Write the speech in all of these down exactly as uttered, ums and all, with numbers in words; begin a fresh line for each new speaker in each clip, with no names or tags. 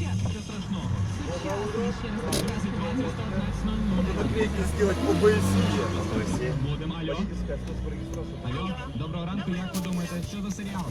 Надо наклейки сделать по БСЕ.
Будемо, алло. Алло, доброго ранку, як ви думаєте, що за серіал?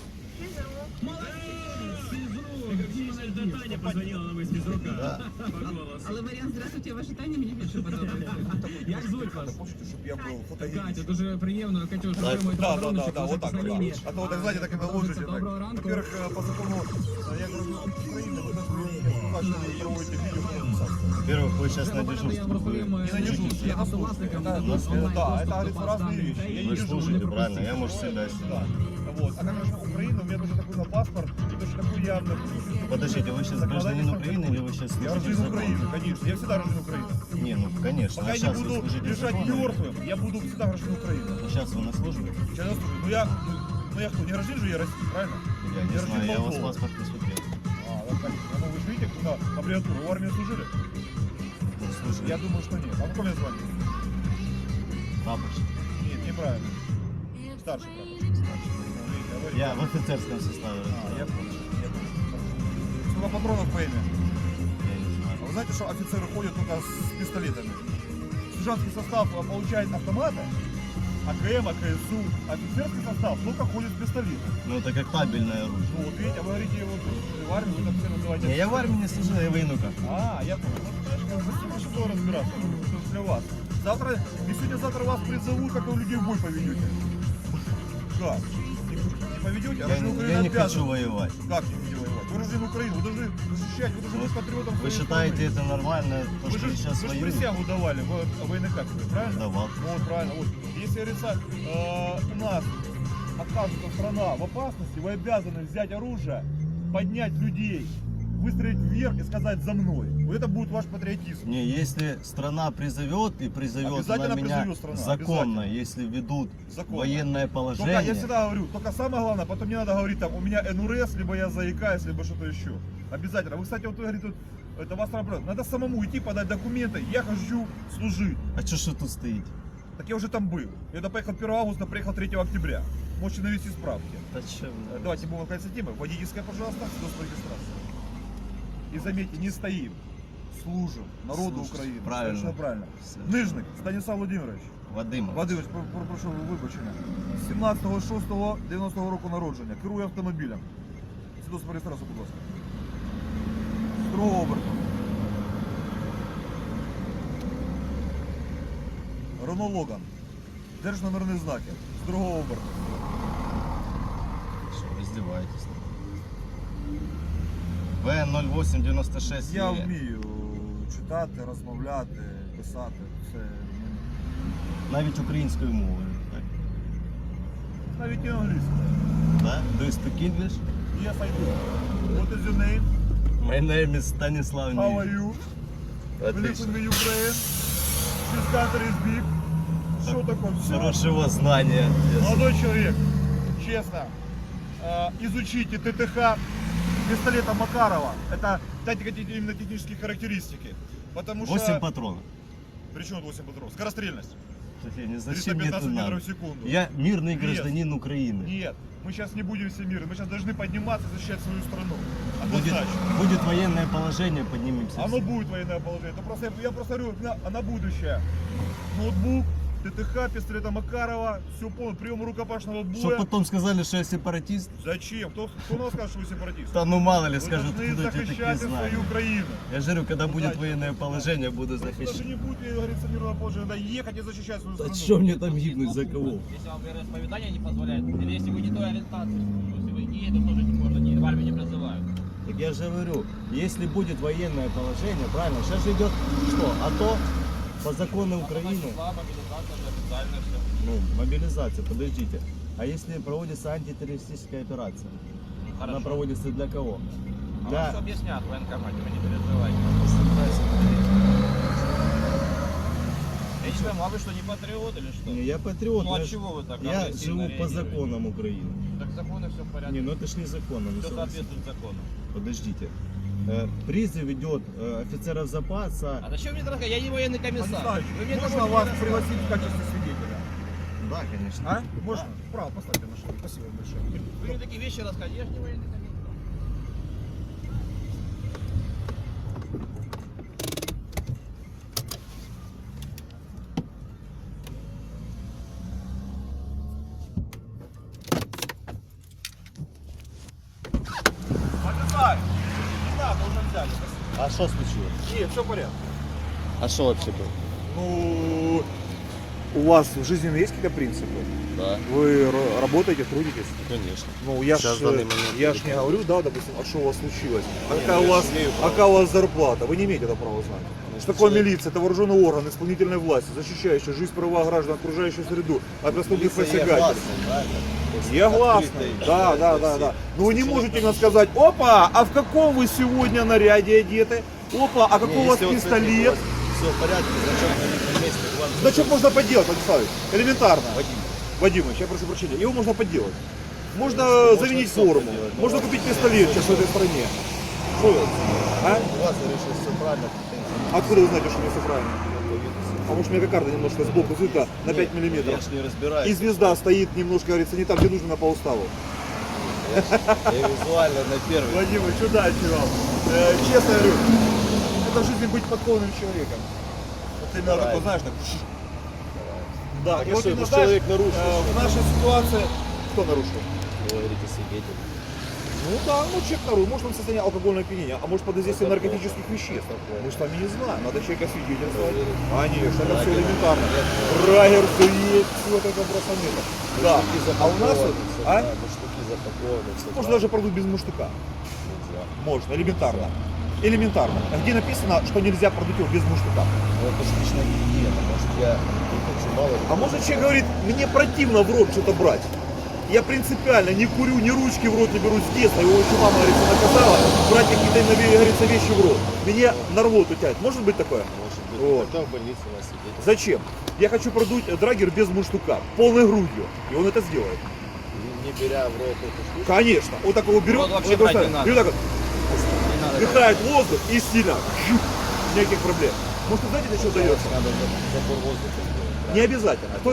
Это Таня позвонила на весь физрука.
Да.
По голосу.
Але варіант «Здравствуйте, ваша Таня» мені більше подобається.
Як звуть вас?
Хочете, чтобы я был
Катя,
фотогеничен?
дуже приємно. Катюш,
Да,
отримуєте
да, да,
подаруночок,
да, вот так,
можете
вот
на
так.
лінії.
А то вот так, знаете, так и наложите. так.
Доброго ранку.
Во-первых, э, по закону, э, я говорю, Украины, вы даже не проводите видеоконференцию.
Во-первых, вы сейчас на
Давайте я
дежурстве.
вам розповім,
Вы,
Не на дежурстве, я на службе.
власникам
Это,
дадуть
это,
онлайн
да,
доступ
это,
до
говорится,
баз
разные
даних
вещи. Я
дітей.
не
вы
дежурный.
слушаете, правильно? Я, может,
Да.
себя
Да. Вот. А конечно, Украина, у меня тоже такой на паспорт, и точно такой явно.
Подождите, вы сейчас гражданин Украины или вы сейчас
Я
служите
рожден
закон?
Украины, конечно. Я всегда рожден Украины.
Не, ну конечно.
Пока
а
я
сейчас
не
вы
буду
служите
лежать
законом?
мертвым, я буду всегда рожден Украины.
Ну, сейчас вы на службе?
Сейчас я слушаю. Ну я, ну, ну я кто, не рожден же я России, правильно?
Я не
рожден
знаю, я у вас
Молдовы.
паспорт не смотрел.
А, вот так. Ну вы же видите, куда аббревиатуру, в армии служили?
Ну, слушай,
Я думаю, что нет. А какое мне звание?
прапорщик.
Нет, неправильно. Старший прапорщик. Ну, видите, а вы-
Я в офицерском составе.
А, я понял. Я понял. Сколько патронов по имя?
Я не знаю.
А вы знаете, что офицеры ходят только с пистолетами? Сержантский состав э, получает автоматы, АКМ, АКСУ, офицерский состав только ходит с пистолетом.
Ну, это как табельное оружие.
Ну вот видите, а вы говорите, вот в армии вы там все называете.
Не, я в армии не служил, я военнука.
А, я понял. Ну, знаешь, как бы что разбираться, ну, что для вас. Завтра, и сегодня-завтра вас призовут, как вы людей в бой поведете. Как? Не, не поведете? А
Я,
Рожден
не-
Украины
я не
обязан.
хочу воевать.
Как не хотите воевать? Вы рожден Украины, вы должны защищать, вы должны быть патриотом
Вы
своей
считаете
страны.
это нормально, то,
Вы
что
же,
сейчас
вы же
воюют?
присягу давали в военной кафедре, правильно?
Давал.
Ну вот, правильно. Вот. Если, говорится, э, у нас оказывается страна в опасности, вы обязаны взять оружие, поднять людей, выстроить вверх и сказать «за мной». Вот это будет ваш патриотизм.
Не, если страна призовет и призовет
Обязательно
она меня
призовет страна,
законно,
обязательно.
если ведут
Законно.
военное
Только
положение.
я всегда говорю, только самое главное, потом не надо говорить там, у меня эн эр эс, либо я заикаюсь, либо что-то еще. Обязательно. Вы, кстати, вот вы говорите, вот, это вас работает. Надо самому идти, подать документы. Я хочу служить.
А что ж вы тут стоите?
Так я уже там был. Я туда поехал первого августа, приехал третьего октября. Можете навести справки.
Да чё вы?
Э, Давайте будем конец темы. Водительская, пожалуйста, свидетельство о регистрации. И заметьте, не стоим, служим народу
Служите.
Украины.
Правильно.
Совершенно правильно.
Совершенно.
Нижник Станислав Владимирович.
Вадим.
Владимирович, про- про- прошу вибачення. сімнадцятого шостого дев'яностого року народження. Керує автомобілем. Свідоцтво про реєстрацію, будь ласка. Строго обертом. Рено Логан. Держномерні знаки. З другого оберту.
Что, вы издеваетесь? В ноль вісім дев'яносто шість.
Я
є.
вмію читати, розмовляти, писати. Це мені.
Навіть українською мовою. Так?
Навіть і англійською.
Да? Do you speak English?
Yes, I do. What is your name?
My name is Станислав
How are
Ні.
you? We live
Отлично.
in Ukraine. This country is big. Что такое? Все.
Хорошего знания.
Молодой человек, честно, э, изучите ТТХ пистолета Макарова. Это дайте какие-то именно технические характеристики. Потому что...
восемь патронов.
Причем восемь патронов? Скорострельность.
Евгений,
триста
зачем мне это
пятнадцать метров
надо?
в секунду.
Я мирный
Нет.
гражданин Украины.
Нет, мы сейчас не будем все миры. Мы сейчас должны подниматься и защищать свою страну.
Будет,
Однозначно.
будет военное положение, поднимемся.
Оно
все.
будет военное положение. Это просто, я просто говорю, на, на будущее. Ноутбук, ТТХ, пистолета Макарова, все полное, прием рукопашного боя.
Чтоб потом сказали, что я сепаратист.
Зачем? Кто, кто нам скажет, что вы сепаратист?
Да ну мало ли
Вы
скажут,
должны
кто тебе такие
защищать
знания.
свою Украину.
Я же говорю, когда будет
Удачи.
военное положение, буду
Вы даже
захищать.
не будете, как говорится, мирного положения, надо ехать и защищать свою
Да
страну.
что мне там гибнуть, за кого?
Если вам вероисповедание не позволяет, или если вы не той ориентации, если вы геи, то тоже не можно, не, в армию не призывают.
Так я же говорю, если будет военное положение, правильно, сейчас же идет что? А то по закону Украины,
Числа, мобилизация же официально все.
ну, мобилизация, подождите. А если проводится антитеррористическая операция? Она
Хорошо.
проводится для кого?
А
Для...
вам все объяснят в военкомате, вы не переживайте. Лично, а вы что, не патриот или что?
Не, я патриот,
Ну, а
я, ж-
чего вы так
я
агрессивно
живу по
реагируете?
законам Украины.
Так законы все в порядке.
Не, ну это ж не законно. ну,
Все
согласен.
соответствует закону.
Подождите. Э, Призыв идет э, офицеров запаса.
А зачем мне дорогая? Я не военный комиссар.
Александрович,
Вы мне
можно
такого не
вас
рассказывайте.
пригласить в качестве свидетеля?
Да, конечно.
А? Можно? Право, поставьте машину. Спасибо большое.
Вы мне такие вещи рассказываете, я же не военный комиссар.
взяли.
А что случилось?
Нет, все в порядке.
А что вообще было?
Ну, у вас в жизни есть какие-то принципы?
Да,
Вы р- работаете, трудитесь?
конечно.
Ну, я
Сейчас
ж,
в данный момент
я ж не
только.
говорю, да, допустим, а что у вас случилось? А
Не,
какая,
ну
у
я
вас,
ж имею
а
право.
какая у вас зарплата? Вы не имеете этого права знать.
Ну,
Что такое
человек-
милиция? Это вооруженный орган исполнительной власти, защищающий жизнь, права граждан, окружающую среду от преступных
Милиция
посягательств.
гласный, правильно? То есть
Я гласный,
открытый,
да, да,
то
да,
есть,
да. Но вы не
если
можете
человек
мне сказать, опа, а в каком вы сегодня наряде одеты? Опа, а
Не,
какой у вас
если вот, кстати,
пистолет?
Все в порядке, значок на видном месте, к вам
Значок можно подделать, Владиславович, элементарно.
Вадим.
Вадимович, я прошу прощения, его можно подделать. Можно
Можно
заменить
всё
форму,
подделать, но
можно
у вас-
купить пистолет сейчас в этой стране. Что вы? А?
У вас решил все правильно. претензий.
Откуда вы знаете, что мне все правильно?
По виду всё.
Потому что у меня кокарда немножко сбоку взята на пять
Нет,
миллиметров.
Я ж не разбираюсь.
И звезда стоит немножко, говорится, не там, где нужно, на по уставу.
Я, ж- я визуально на первый.
Владимир, что дальше вам? Э, честно говорю, это в жизни быть подкованным человеком. Вот именно
Давай.
такой, знаешь, так. Да,
Так
и
а
вот
что,
именно,
если
знаешь,
человек нарушил,
э,
что?
в нашей ситуации, кто нарушил?
Вы говорите свидетель.
Ну да, ну человек нарушил, может он в состоянии алкогольного опьянения, а может под воздействием
Это
наркотических
плохо.
веществ.
Это плохо.
Мы с вами не знаем, надо человека свидетельствовать.
Проверить.
Конечно, это все
Драгер.
элементарно.
Нет.
Драгер, все есть, все это бросанета. Да,
Муштуки
а у нас,
запакованы, всё,
а?
да, муштуки запакованы, всё,
Можно
да.
даже продуть без муштука.
Нельзя.
Можно, элементарно. Элементарно. А где написано, что нельзя продуть его без муштука?
Ну, это же личная гигиена, может я не хочу мало ли.
А может человек говорит, мне противно в рот что-то брать. Я принципиально не курю, ни ручки в рот не беру с детства. Его еще мама, говорится, наказала брать какие-то, говорится, вещи в рот. Меня на рвоту тянет. Может быть такое?
Может быть,
Вот.
хотя в больнице у вас сидеть.
Зачем? Я хочу продуть драгер без муштука, полной грудью. И он это сделает.
Не беря в рот эту штуку.
Конечно. Вот так его берет,
Вот вообще
вот так
брать не
вот,
надо.
и вот так вот
Не надо.
вдыхает воздух и сильно. Жух. Никаких проблем. Может, вы знаете, для чего дается?
Надо за- забор воздуха сделать.
Не обязательно.